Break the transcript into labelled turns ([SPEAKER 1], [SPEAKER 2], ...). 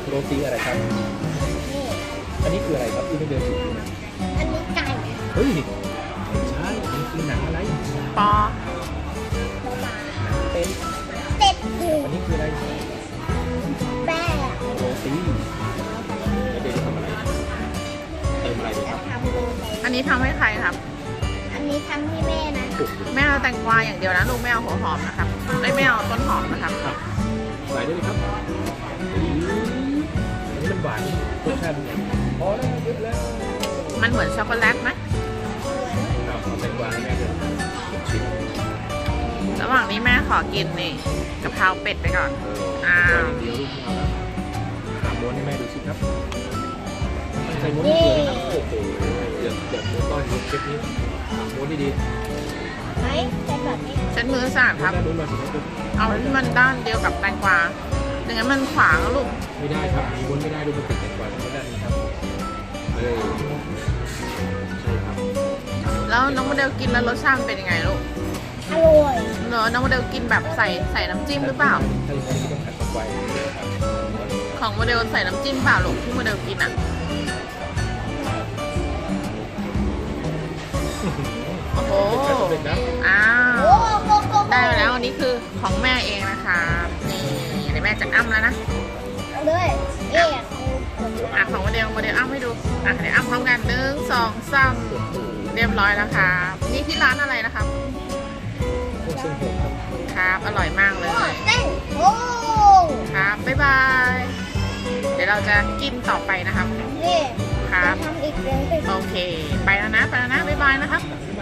[SPEAKER 1] โรตีอะไรครับ
[SPEAKER 2] นี่
[SPEAKER 1] อันนี้คืออะไรครับที่ไม่เดินอยู่
[SPEAKER 2] อันนี้ไก่
[SPEAKER 1] เฮ้ยไม่ใช่อันนี้คือหนังอะไร
[SPEAKER 3] ปอ
[SPEAKER 2] หมา
[SPEAKER 1] หนังเป็น
[SPEAKER 2] เป็ด
[SPEAKER 1] อันนี้คืออะไร
[SPEAKER 2] แป้ง
[SPEAKER 1] โรตีแล้วเดี๋ยวจะทำอะไรเติมอะไรดีค
[SPEAKER 2] จะ
[SPEAKER 1] รับ
[SPEAKER 2] ทำโรตี
[SPEAKER 3] อันนี้ทำให้ใครครับ
[SPEAKER 2] อันนี้ทำให้แม่นะ
[SPEAKER 1] สุก
[SPEAKER 3] แม่เอาแตงกวาอย่างเดียวนะลูกไม่เอาหัวหอมนะครับไม่เอาต้นหอมนะครับ
[SPEAKER 1] ครับใส่ได้เลยครับอันนี้มันหวานรสชาติเป็นไงพอแล้วเยอะแล้ว
[SPEAKER 3] มันเหมือนช็อกโกแลตไหม
[SPEAKER 1] เอาแตงกวาให้แม่ด้วยชิม
[SPEAKER 3] ระหว่างนี้แม่ขอกินนี่กะเพราเป็ดไปก่อน อ้าว
[SPEAKER 1] อย่างเดียวลูกไม่เอาแล้วหาม้วนให้แม่ดูสิครับใส่ม้วนเกลือนะครับโอ้โหเดี๋ยวต้อนรับเชฟนี้ม้วนดีๆ
[SPEAKER 2] ไหมเป็นแบบนี้
[SPEAKER 3] เช็ดมือสะอาดครับ
[SPEAKER 1] ด้านนู้นมาสิครับ
[SPEAKER 3] เอาที่มันด้านเดียวกับแตงกวาอย่างนั้นมันขวางอะลูก
[SPEAKER 1] ไม่ได้ครับมีม้วนไม่ได้ดูมันติดกันกว่าต้องด้านนี้ครับใช่ครับ
[SPEAKER 3] แล้วน้องโมเดลกินแล้วรสชาติมันเป็นยังไงลูก
[SPEAKER 2] อร่อย
[SPEAKER 3] เนอะน้องโมเดลกินแบบใส่น้ำจิ้มหรือเปล่า
[SPEAKER 1] ถ้าอย่างนี้ต้องขัดกับไฟครับ
[SPEAKER 3] ของโมเดลใส่น้ำจิ้มเปล่าลูกที่โมเดลกินอ่ะ โอ้โห
[SPEAKER 1] เป็นนะ
[SPEAKER 3] อ้า
[SPEAKER 2] โอ้
[SPEAKER 3] ว
[SPEAKER 2] โหโก
[SPEAKER 3] ได้มาแล้วอันนี้คือของแม่เองนะคะนี่เดี๋ยวแม่จะอ้ำแล้วนะ
[SPEAKER 2] เอาเลยเอ๊ะ
[SPEAKER 3] อ่ะของโมเดลอ้ำให้ดูอ่ะเดี๋ยวอ้ำพร้อมกัน1 2 3เรียบร้อยแล้วครับนี่ที่ร้านอะไรนะครับ
[SPEAKER 1] พวกเส้นผมครับ
[SPEAKER 3] ครับอร่อยมากเลย
[SPEAKER 2] เต้นโอ้
[SPEAKER 3] ครับบ๊ายบายเดี๋ยวเราจะกินต่อไปนะครับ
[SPEAKER 2] นี่
[SPEAKER 3] ครับ
[SPEAKER 2] จะทำอีกเรื่องหนึ่ง
[SPEAKER 3] โอเค ไปแล้วนะบ๊ายบายนะครับ
[SPEAKER 1] บ๊าย